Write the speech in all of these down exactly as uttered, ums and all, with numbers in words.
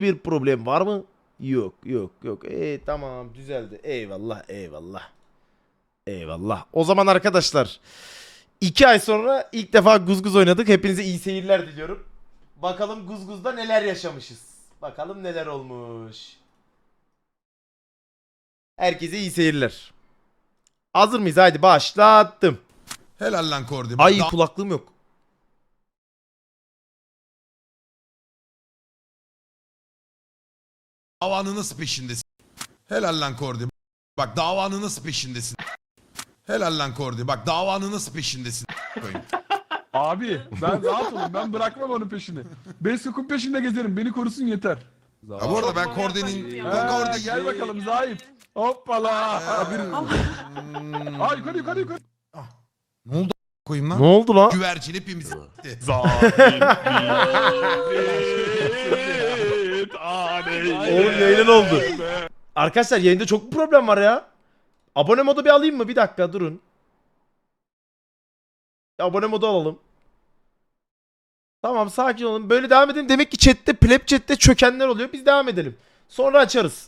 bir problem var mı? Yok yok yok. E tamam düzeldi. Eyvallah eyvallah. Eyvallah. O zaman arkadaşlar iki ay sonra ilk defa Guzguz oynadık. Hepinize iyi seyirler diliyorum. Bakalım Guzguz'da neler yaşamışız. Bakalım neler olmuş. Herkese iyi seyirler. Hazır mıyız? Haydi başlattım. Helal lan Kordi. Ay kulaklığım yok. Davanın nasıl peşindesin? Helal lan Kordi. Bak davanın nasıl peşindesin? Helal lan Kordi. Bak davanın nasıl peşindesin? Koyayım. Abi ben rahat olun, ben bırakmam onun peşini. Beskok'un peşinde gezerim, beni korusun yeter. Ya bu arada ben Kordi'nin... Ha, Kordi... gel bakalım Zahit. Hoppala. Hmm. Ay yukarı yukarı yukarı. Ne oldu koyayım lan? Ne oldu lan? Güvercin hepimiz gitti. Oğlum yayın oldu. Arkadaşlar yayında çok problem var ya. Abone modu bir alayım mı? Bir dakika durun. Abone modu alalım. Tamam sakin olun. Böyle devam edelim. Demek ki chatte, pleb chatte çökenler oluyor. Biz devam edelim. Sonra açarız.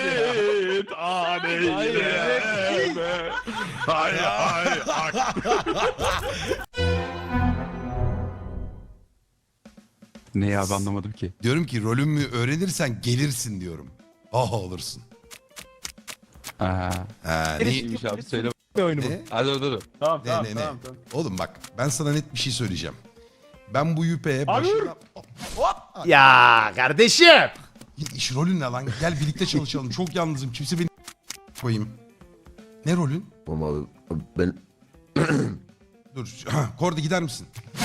Ne abi anlamadım ki. Diyorum ki rolümü öğrenirsen gelirsin diyorum. Ah olursun. Aa, Ha, ne? neymiş abi söyle. Ne? Hadi dur dur. Tamam Ne tamam ne ne? tamam. tamam. Oğlum bak ben sana net bir şey söyleyeceğim. Ben bu yüpeye başına... Hop! Ya kardeşim. İş rolün ne lan? Gel birlikte çalışalım. Çok yalnızım. Kimse beni koyayım. Ne rolün? Ama ben Dur. Kordi gider misin?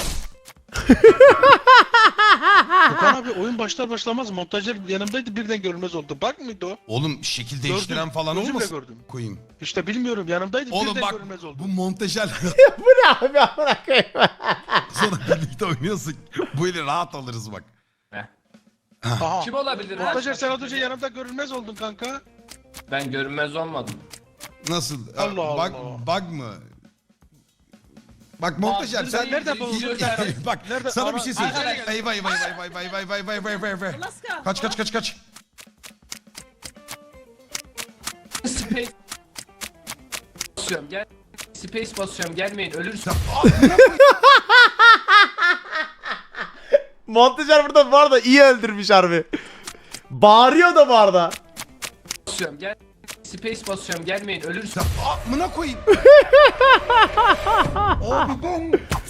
Okan abi oyun başlar başlamaz montajlar yanımdaydı birden görünmez oldu. Bak mıydı o? Oğlum şekil değiştiren falan gözümle olmasın? gördüm. Koyayım. İşte bilmiyorum yanımdaydı Oğlum birden bak görünmez oldu. bu montajel Bu ne abi amına koyayım. sonra birlikte oynuyorsun. Bu eli rahat alırız bak. Aha. Kim olabilir? Montajer sen az önce yanımda görünmez oldun kanka. Ben görünmez olmadım. Nasıl? Allah bak, Allah. Bug mı? Bak montajel Bastır sen değil, nereden değil, buldun? değil. bak Nerede? sana bir Ana- şey söyleyeceğim. Arkadaşlar- Vay vay vay vay vay vay vay vay vay vay vay vay. Kaç kaç kaç kaç. Space basıyorum gel. Space basıyorum gelmeyin ölürsün. Montajer burada bu arada iyi öldürmüş harbi. Bağırıyor da bu arada. Basıyorum gel. Space basıyorum gelmeyin ölürsün. Amına koyayım. Abi ben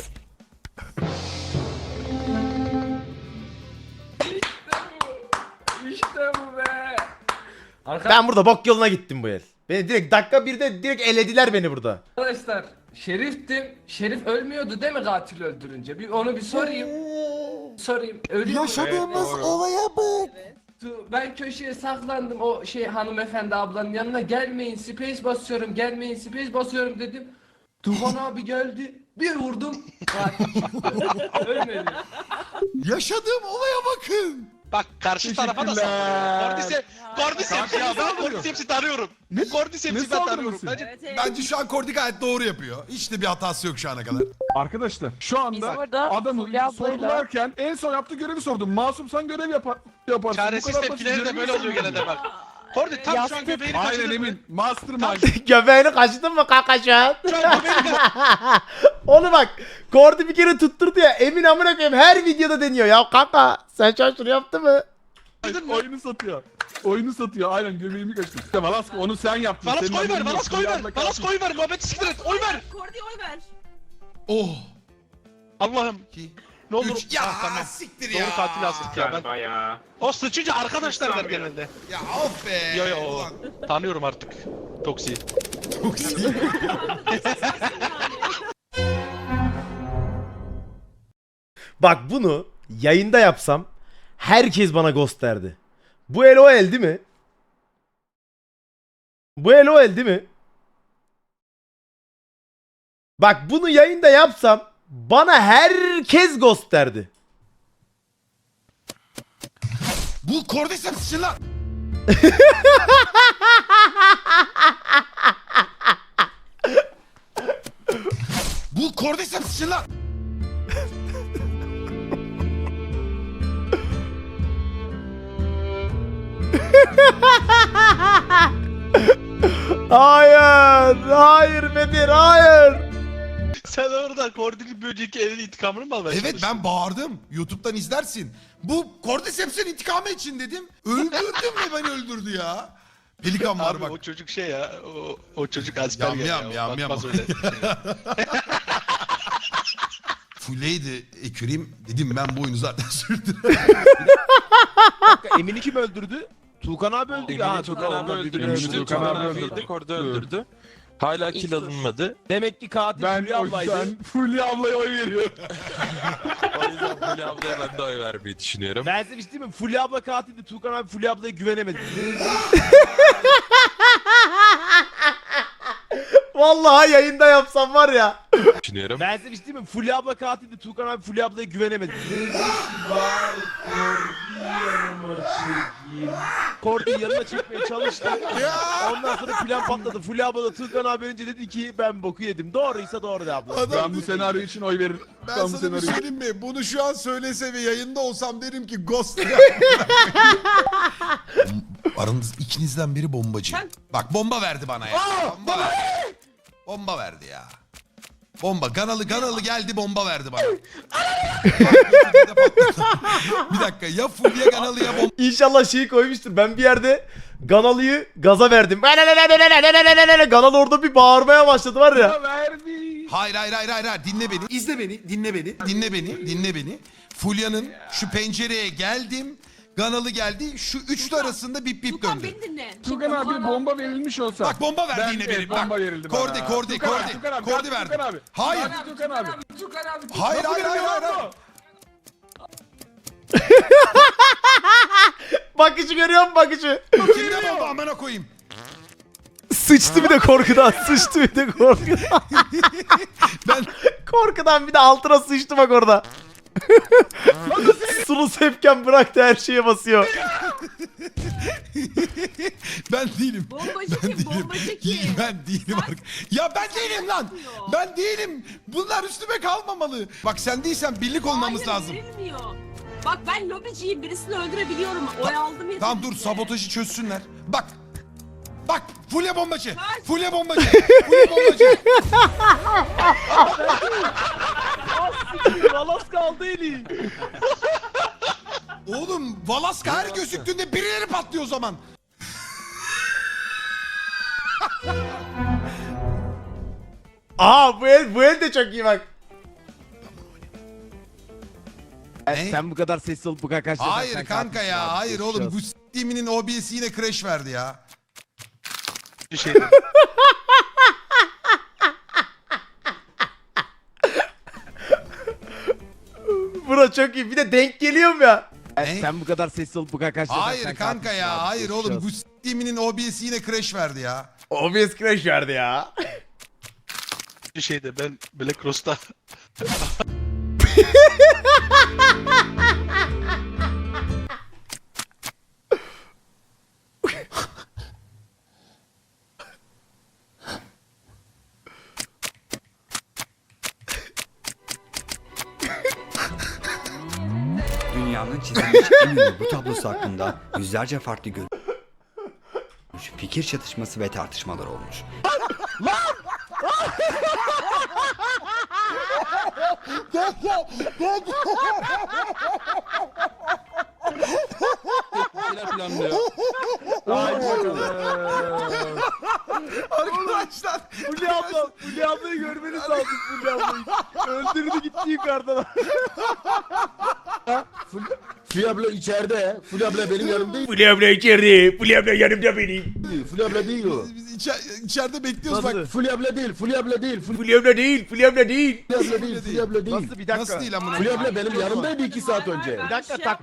İşte bu be. Ben burada bok yoluna gittim bu el. Beni direkt dakika birde direkt elediler beni burada. Arkadaşlar Şerif'tim. Şerif ölmüyordu değil mi katil öldürünce? Bir onu bir sorayım. Sorayım. Ölüyor mu? yaşadığımız olaya bak. Ben köşeye saklandım o şey hanımefendi ablanın yanına gelmeyin space basıyorum gelmeyin space basıyorum dedim. Tufan abi geldi bir vurdum. Ölmedi. Yaşadığım olaya bakın. Bak karşı tarafa da saldırıyor. Cordyceps, Cordyceps ya ben Cordyceps'i tanıyorum. Ne? Cordyceps'i Ne ben tanıyorum. saldırması? Bence Bence şu an Kordi gayet doğru yapıyor. Hiç de bir hatası yok şu ana kadar. Arkadaşlar şu anda orada adamı Fulya ablayla- sorgularken en son yaptığı görevi sordum. Masum sen görev yapar, yaparsın. çaresiz Bu kadar basit tepkileri de görevi böyle oluyor sormuyorum. genelde bak. Cordy tam şu an Yastık. göbeğini Aynen kaçırdın mı? Emin. Mastermind. Göbeğini kaçtın mı kanka şu an? Şu an göbeğini Onu bak. Kordi bir kere tutturdu ya. Emin amına koyayım her videoda deniyor. Ya kanka sen şu an şunu yaptın mı? kaçırdın mı? Oyunu satıyor. Oyunu satıyor. Aynen göbeğimi kaçtı. İşte Valasko onu sen yaptın. Balas Senin koy ver, haberin yok. Balas koy ver. Rüyanda Balas kalmış. koy ver, muhabbeti siktir et. Oy ver. Kordi oy ver. Oh. Allah'ım İki. ne olur. Üç. Ya Ah, tamam. siktir ya. Doğru katil astık ya ben. O sıçınca arkadaşlar der genelde. Ya of be. Yo yo Ulan, tanıyorum artık. Toksi. çok iyi. Bak bunu yayında yapsam herkes bana ghost derdi. Bu el o el değil mi? Bu el o el değil mi? Bak bunu yayında yapsam bana herkes ghost derdi. Bu Cordyceps için lan. Bu Cordyceps için lan. Hayır. Hayır Bedir hayır. Sen orada Kordi'nin bir önceki elin intikamını mı almaya Evet çalıştın? ben bağırdım. YouTube'dan izlersin. Bu Cordyceps'in intikamı için dedim. Öldürdüm ve beni öldürdü ya. Pelikan var Abi bak. o çocuk şey ya, o, o çocuk Asperger Yam yam, ya. yam yam. Bakmaz öyle. Fuleydi eküreyim. Dedim ben bu oyunu zaten sürdürürüm. Emin'i kim öldürdü? Tuğkan abi öldü. Emin'i Ha, Tukan abi Tuğkan öldürmüştü. Tukan Tukan abi abi öldürdü. yedik orada öldürdü. Hala kill alınmadı. Demek ki katil Ben Fulya o ablaydı. yüzden Fulya ablaya oy veriyorum. O yüzden Fulya ablaya ben de oy vermeyi düşünüyorum. Ben size bir şey diyeyim mi? Fulya abla katildi. Tuğkan abi Fulya ablaya güvenemedi. Vallahi yayında yapsam var ya. Düşünüyorum. Ben size bir şey diyeyim mi? Fulya abla katildi. Tuğkan abi Fulya ablaya güvenemedi. Kordi'yi yanına çekmeye çalıştı. Ondan sonra plan patladı. Fulya abla da Tuğkan abi önce dedi ki ben boku yedim. Doğruysa doğru de abla. Adam Ben bu senaryo için oy veririm. Ben, Ben bu sana bir senaryo şey için. diyeyim mi? Bunu şu an söylese ve yayında olsam derim ki Ghost ya. Aranız ikinizden biri bombacı. Bak bomba verdi bana ya. bomba verdi. Bomba verdi ya. Bomba. Ganalı Ganalı geldi bomba verdi bana. Bir dakika ya Fulya Ganalı'ya bomba. İnşallah şeyi koymuştur. Ben bir yerde Ganalı'yı gaza verdim. Ganalı orada bir bağırmaya başladı var ya. Verdi. Hayır hayır hayır hayır hayır. Dinle beni. İzle beni. Dinle beni. Dinle beni. Dinle beni. Fulya'nın şu pencereye geldim. Ganalı geldi. Şu üçlü arasında bip bip Tukan döndü. beni dinle. Tukan abi bomba verilmiş olsa. Bak bomba verdi Ben yine de benim. bomba Bak. verildi bana. Kordi, Kordi, Tukan abi, Kordi. Tukan abi, Kordi Tukan verdi. abi. Hayır. Tukan abi, Tukan abi. Tukan abi. Hayır hayır hayır hayır. hayır. Bakışı görüyor musun bakışı? Kimde bomba amına koyayım. Sıçtı bir de korkudan. Sıçtı bir de korkudan. Ben Korkudan bir de altına sıçtı bak orada. Sulu sepken bıraktı her şeye basıyor. ben değilim. Bombacı Ben kim? değilim. Bombacı kim? Ben değilim artık. Ya ben değilim lan. Ben değilim. Bunlar üstüme kalmamalı. Bak sen değilsen birlik olmamız Hayır, lazım. verilmiyor. Bak ben lobiciyim. Birisini öldürebiliyorum. Oy aldım yeterince. Tamam dur sabotajı çözsünler. Bak. Bak Fulya bombacı. Kaç. Fulya bombacı. Fulya bombacı. Valas kaldı eli. Oğlum Valaska her gözüktüğünde birileri patlıyor o zaman. Aa bu el, bu el de çok iyi bak. Ne? Sen bu kadar sessiz olup bu kadar kaç Hayır kanka ya. Hayır oğlum. Bu s**timinin O B S'i yine crash verdi ya. Bir şey dedim. Bura çok iyi. Bir de denk geliyorum ya. Ne? Sen bu kadar sessiz olup bu kadar kaç Hayır kanka ya. Hayır oğlum. Bu s**timinin O B S'i yine crash verdi ya. O B S crash verdi ya. Bir şey de ben Black Rose'da Dünyanın çizilmiş en ünlü bu tablosu hakkında yüzlerce farklı görüş, fikir çatışması ve tartışmalar olmuş. planlıyor. Arkadaşlar. Fulya abla, Fulya ablayı görmeniz lazım Fulya ablayı. Öldürdü gitti yukarıdan. Fulya abla içeride. Fulya abla benim yanımda. Fulya abla içeride. Fulya abla yanımda benim. Fulya abla değil o. Biz içer, içeride bekliyoruz Nasıl? bak. Fulya abla değil. Fulya abla değil. Fulya Fulya abla değil. Fulya abla değil. abla değil. Fulya abla değil. Nasıl bir dakika? Nasıl değil amına? Fulya abla benim yanımdaydı iki saat önce. Bir dakika tak.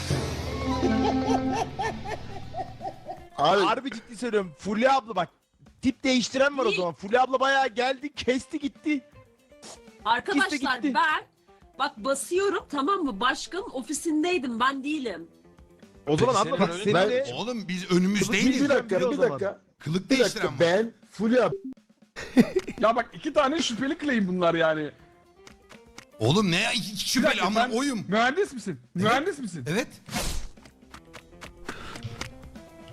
Abi Harbi ciddi söylüyorum. Fulya abla bak. Tip değiştiren var o zaman. Fulya abla bayağı geldi, kesti gitti. Arkadaşlar gitti. ben bak basıyorum tamam mı? Başkanın ofisindeydim ben değilim. O zaman Peki abla bak senin senin ben- de... Oğlum biz bir, önümüzdeydik. bir dakika o bir zaman. dakika. Kılık Bir değiştiren dakika var. ben Fulya Ya bak iki tane şüpheli claim bunlar yani. Oğlum ne iki iki Bir şüpheli dakika, ama sen oyum. Mühendis misin? Mühendis misin? Evet.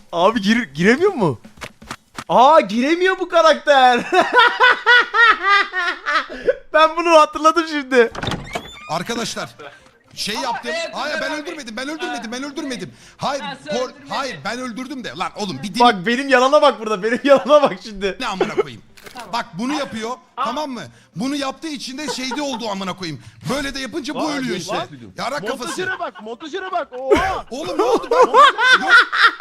Abi gir giremiyor mu? Aa giremiyor bu karakter. Ben bunu hatırladım şimdi. Arkadaşlar şey yaptım. evet, Hayır ben abi. öldürmedim. Ben öldürmedim. Ben öldürmedim. Hayır. Ha, sen kor- öldürmedin. hayır ben öldürdüm de. Lan oğlum bir din Bak benim yalana bak burada. Benim yalana bak şimdi. ne amına koyayım. Bak bunu yapıyor. Tamam mı? Bunu yaptığı için de şeyde oldu amına koyayım. Böyle de yapınca bu Aa, ölüyor lan. işte. Yarak kafası. Montajere bak, montajere bak. Oha! Oğlum ne oldu? Ben Yok.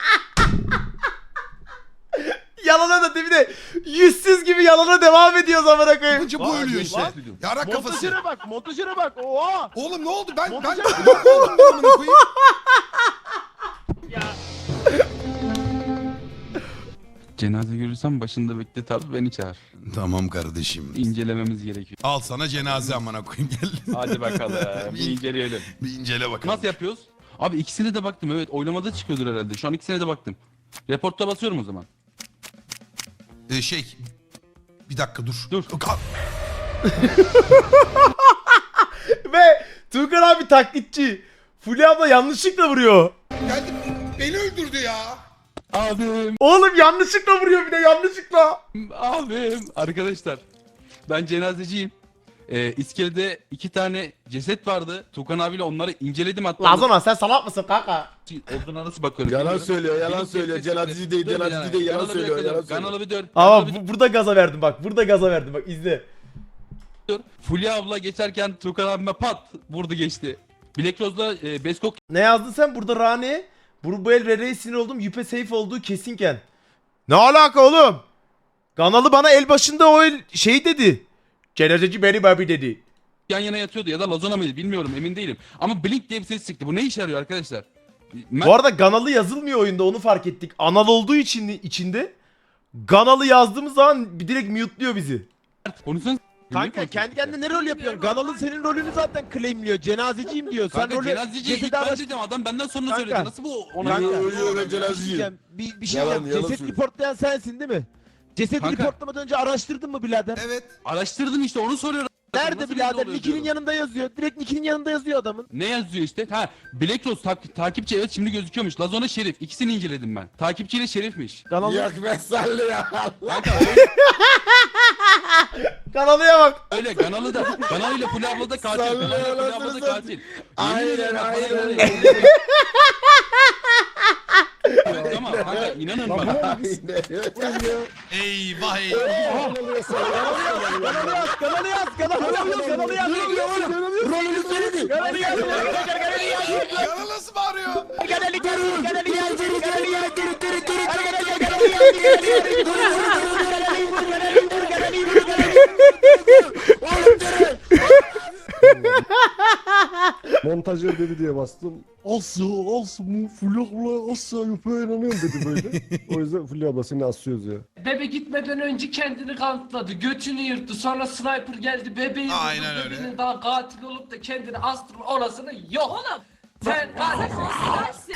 Yalana da değil de yüzsüz gibi yalana devam ediyor amına koyayım. yapınca bu Lan, ölüyor lan. işte. Yarak kafası. Montajere bak, montajere bak. Oha! Oğlum ne oldu? Ben ben Montajere- yok oldum ben amına koyayım. Cenaze görürsem başında bekle tabii beni çağır. Tamam kardeşim. İncelememiz gerekiyor. Al sana cenaze amına koyayım gel. Hadi bakalım bir inceleyelim. Bir incele bakalım. Nasıl yapıyoruz? Abi ikisine de baktım evet oylamada çıkıyordur herhalde. Şu an ikisine de baktım. Reportta basıyorum o zaman. Ee, şey. Bir dakika dur. Dur. Ka- Ve Tuğkan abi taklitçi. Fulya abla yanlışlıkla vuruyor. Geldi. Beni öldürdü ya. Abim, Oğlum yanlışlıkla vuruyor bir de yanlışlıkla. abim. Arkadaşlar ben cenazeciyim. Ee, iskelede iki tane ceset vardı. Tukan abiyle onları inceledim hatta. Lazona sen salak mısın kanka? Olduğuna nasıl bakıyorum? Yalan bilmiyorum. söylüyor, yalan Benim söylüyor. ceset- Cenazeci değil, Dur bir cenazeci yana. değil, yalan Kanalı bir söylüyor, yakaladım. yalan söylüyor. Kanalı bir dön. Ama kanalı bir bu, burada gaza verdim bak. Burada gaza verdim bak izle. dön. Fulya abla geçerken Tukan abime pat vurdu geçti. Black Rose'la e, Beskok Ne yazdın sen burada Rani? Bu, bu el Rere'ye sinir oldum. Yüpe safe olduğu kesinken. Ne alaka oğlum? Kanalı bana el başında o el şey dedi. Cenazeci beni babi dedi. yan yana yatıyordu ya da Lazona mıydı bilmiyorum emin değilim. Ama Blink diye bir ses çıktı. Bu ne işe yarıyor arkadaşlar? Mert Bu arada Ganalı yazılmıyor oyunda onu fark ettik. Anal olduğu için içinde Ganalı yazdığımız zaman bir direkt mute'luyor bizi. konuşsana. Kanka kendi kendine ne rol yapıyorsun? Ganal'ın senin rolünü zaten claimliyor. Cenazeciyim diyor. Sen Kanka rolü cenazeci ilk cesedi ben araş- dedim adam benden sonra Kanka. söyledi. Nasıl bu ona Kanka, göre? öyle öyle cenazeciyim. Bir, bir şey Yalan, diyeceğim. yalan Ceset söylüyor. reportlayan sensin değil mi? Cesedi Kanka. reportlamadan önce araştırdın mı birader? Evet. Araştırdım işte onu soruyorum. Nerede Nasıl belli birader? oluyor Nick'inin diyorum. yanında yazıyor. Direkt Nick'inin yanında yazıyor adamın. Ne yazıyor işte? Ha Black Rose tak- takipçi evet şimdi gözüküyormuş. Lazona Şerif. İkisini inceledim ben. Takipçiyle Şerif'miş. Ganal'ın Yak ben sallı ya. Kanka öyle, Ganalı'ya bak. öyle Ganalı da Ganalı ile Fulya abla da katil. Sallıyor, Ganalı ile Fulya abla da anasını katil. Aynen, Yemin ederim bak, bana aynen. böyle- Evet ama kanka inanın bana. Eyvah eyvah. Kanalı yaz, kanalı yaz, kanalı yaz, kanalı yaz. Ne diyor oğlum? Rolünü söyledi. Kanalı yaz, kanalı yaz. Yana nasıl bağırıyor? Kanalı yaz, kanalı yaz, kanalı yaz. Montajör dedi diye bastım. Asya, Asya, Fulya abla Asya yapıyor inanıyorum dedi böyle. O yüzden Fulya abla seni asıyoruz ya. Bebe gitmeden önce kendini kanıtladı. Götünü yırttı. Sonra sniper geldi. Bebeği Aynen vurdu. öyle. Bebeğin daha katil olup da kendini astırma orasını yok. Oğlum. Sen katil Dersin.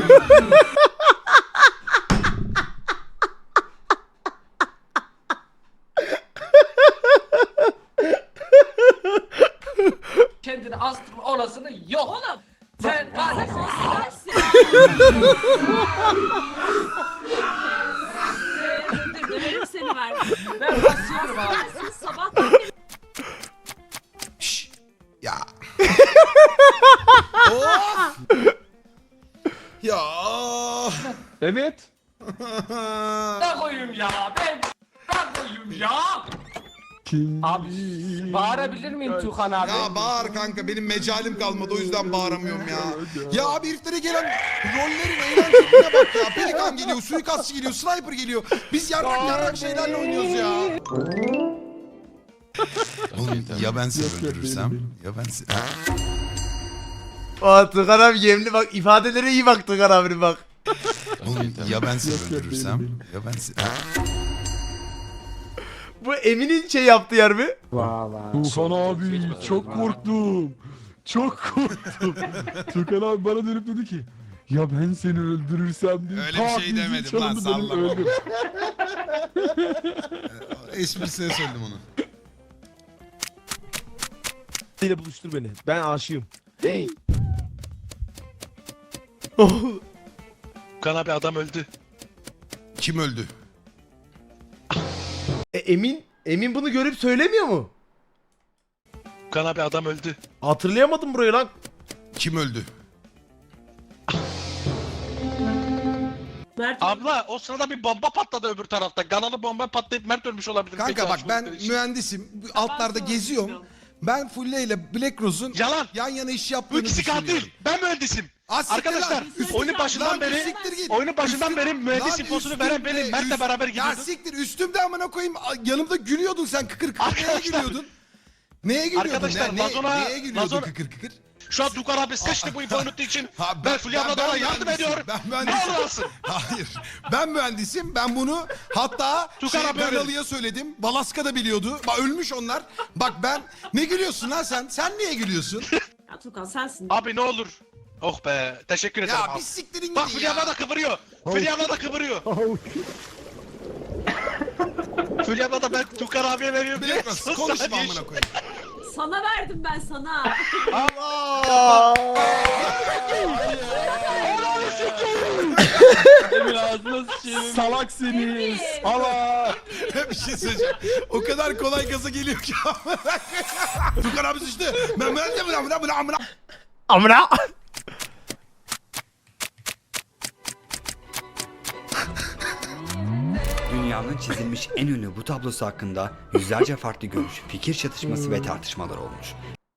kendini astırma orasını yok. Oğlum. Sen katil Dersin. Döverim seni ver. Ben basıyorum abi. Dersin sabahtan beri Şşş. Ya. Of. Ya. Evet. Ne koyayım ya? Ben ne koyayım ya? Kim? Abi bağırabilir miyim Tuğhan abi? Ya bağır kanka benim mecalim kalmadı o yüzden bağıramıyorum ya. Ya abi heriflere gelen rollerin eğlenceliğine bak ya. Pelikan geliyor, suikastçı geliyor, sniper geliyor. Biz yarrak yarrak şeylerle oynuyoruz ya. Oğlum ya ben seni öldürürsem? Ya ben seni... Aa Tuğkan abi yemli bak ifadelere iyi bak Tuğkan abinin bak. Oğlum ya ben seni öldürürsem? Ya ben seni... Bu Emin'in şey yaptığı yer mi? Tufan abi çok korktum. Çok korktum. Tukan abi bana dönüp dedi ki ya ben seni öldürürsem diye. Öyle bir şey tak müziği demedim lan, çalındı, benim sallama. öldüm. Esprisine söyledim onu. ile buluştur beni. Ben aşığım. Hey. Kan abi adam öldü. Kim öldü? E, Emin Emin bunu görüp söylemiyor mu? Tukan abi adam öldü. Hatırlayamadım burayı lan. Kim öldü? Mert Abla o sırada bir bomba patladı öbür tarafta. Kanalı bomba patlayıp Mert ölmüş olabilir. Kanka Peki, bak açmak ben için. mühendisim. Bu Altlarda Ben geziyorum. sorumluyum. Ben Fulle ile Black Rose'un Yalan. yan yana iş Bu yaptığını ikisi düşünüyorum. katil. Ben mühendisim. Az siktir Arkadaşlar lan. Üst- oyunun başından Lan beri siktir git. oyunun başından beri mühendis Lan infosunu üstümde, veren benim. Mert'le üst- beraber Ya gidiyorduk. siktir üstümde amına koyayım. Yanımda gülüyordun sen kıkır kıkır. Neye Arkadaşlar- gülüyordun? Neye gülüyordun? Arkadaşlar, ne, ne- Vazona- neye gülüyordun Vazona- kıkır kıkır? Şu an Tukan abi seçti bu infoyu unuttuğu için. Ha, ben Fulya abla da ona yardım mühendisim, ediyorum. Ben Ne mühendisim. olur alsın. Hayır. Ben mühendisim. Ben bunu hatta Tukan şey, abi ben öyle. Ali'ye söyledim. Balaska da biliyordu. Bak ölmüş onlar. Bak ben ne gülüyorsun lan sen? Sen niye gülüyorsun? Ya Tukan sensin. Abi ne olur. Oh be teşekkür ederim ya abi. bir siktirin Bak gidin Fulya abla ya. da kıvırıyor. Fulya abla da kıvırıyor. Fulya abla da ben Tukan abiye veriyorum. Black Rose konuşma amına koyayım. Sana verdim ben sana. Emin ağzına sıçayım. Salaksınız. Allah. bir şey söyleyeceğim. O kadar kolay gaza geliyor ki. Tukan abi sıçtı. Ben ben de bırak bırak bırak bırak. Amına. Dünyanın çizilmiş en ünlü bu tablosu hakkında yüzlerce farklı görüş, fikir çatışması ve tartışmalar olmuş.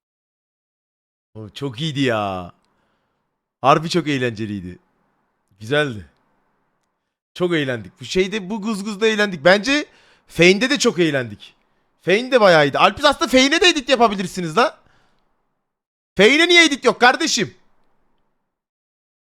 O çok iyiydi ya. Harbi çok eğlenceliydi. Güzeldi. Çok eğlendik. Bu şeyde bu guzguzda eğlendik. Bence Fane'de de çok eğlendik. Fane de bayağı iyiydi. Alpiz aslında Fane'e de edit yapabilirsiniz la. Fane'e niye edit yok kardeşim?